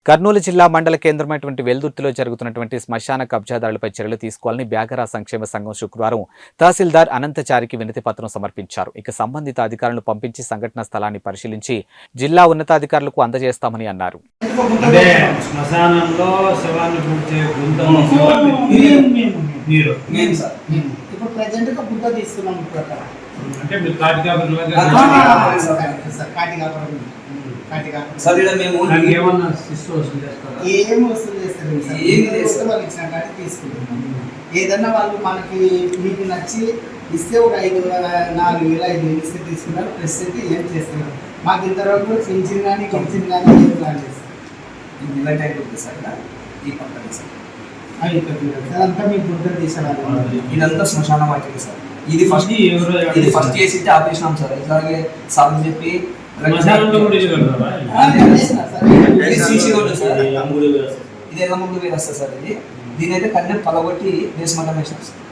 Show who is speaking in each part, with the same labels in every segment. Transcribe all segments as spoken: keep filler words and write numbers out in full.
Speaker 1: కర్నూలు జిల్లా మండల కేంద్రమైనటువంటి వెల్దుర్తిలో జరుగుతున్నటువంటి శ్మశాన కబ్జాదారులపై చర్యలు తీసుకోవాలని బ్యాగరా సంక్షేమ సంఘం శుక్రవారం తహసీల్దార్ అనంతచారికి వినతి పత్రం సమర్పించారు. ఇక సంబంధిత అధికారులను పంపించి సంఘటన స్థలాన్ని పరిశీలించి జిల్లా ఉన్నతాధికారులకు అందజేస్తామని అన్నారు.
Speaker 2: సార్ ఇక్కడ మేము
Speaker 3: ఏమన్నా సిస్టమ్ వసూలు చేస్తారా?
Speaker 2: ఏం వసూలు చేస్తారు సార్, ఏం చేస్తే వాళ్ళు ఇచ్చిన కాడి తీసుకుంటున్నాం. ఏదన్నా వాళ్ళు మనకి మీకు నచ్చి ఇస్తే ఒక ఐదు నాలుగు వేల ఐదు వేలు ఇస్తే తీసుకున్నారు. ప్రెస్ అయితే ఏం చేస్తున్నారు మాకు ఇంతవరకు పెన్షన్ కానీ పెన్షన్ కానీ ఏం ప్లాన్ చేస్తారు.
Speaker 3: ఇలా టైప్ ఉంటుంది సార్ ఈ పంట సార్
Speaker 2: అదంతా మీకు గుర్తు తీసేవాళ్ళు.
Speaker 3: ఇదంతా శ్మశాన వాటికి సార్. ఇది ఫస్ట్ ఇది ఫస్ట్ చేసి ఆపేసినాం సార్. ఇట్లాగే సార్ చెప్పి ఇది ఎలా ముందు వేరు వస్తుంది సార్. ఇది దీని అయితే కన్ను పలగొట్టి బేస్మెంట్ వేసినాం సార్.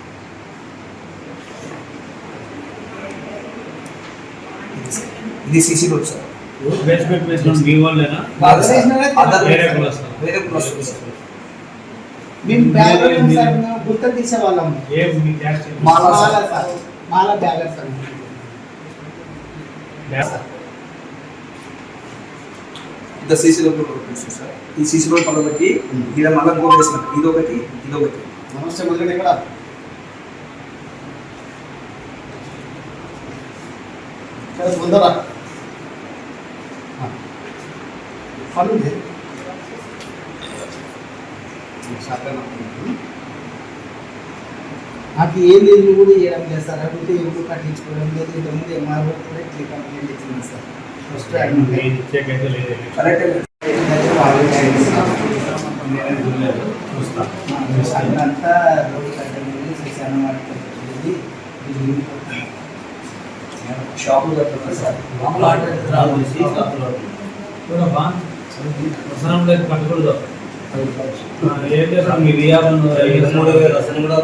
Speaker 3: ఇది CC road sir.
Speaker 4: Basement basement మీ వాళ్ళేనా?
Speaker 3: వేరే కుల వస్తుంది సార్.
Speaker 2: మేము బ్యాలెన్స్ సార్ గుర్తు తీసేవాళ్ళం.
Speaker 3: Mala
Speaker 2: sir Mala balance sir.
Speaker 3: ఇంత సీసీ రోడ్ వస్తుంది సార్. ఈ సీసీ రోడ్ పలబట్టి ఇక్కడ మళ్ళీ గోల్ వేసినట్టు ఇదొకటి ఇదొకటి.
Speaker 2: నమస్తే మొదలు ఇక్కడ ముందరా పనుంది నాకు ఏం లేదు కూడా చేయడం లేదు సార్. అడిగితే ఎప్పుడు కట్టించుకోవడం లేదు. ఇంతకుముందు ఎంఆర్ఓ కూడా ఇట్లా కంప్లైంట్ ఇచ్చింది సార్. ఫస్ట్ అంతా రోడ్డు కట్టండి శ్మశానం వాటి
Speaker 3: షాపులు కట్టున్నారు సార్.
Speaker 4: కట్టకూడదు ఏం చేస్తాం మీ వియాలను
Speaker 3: మూడు వేలు అసలు కూడా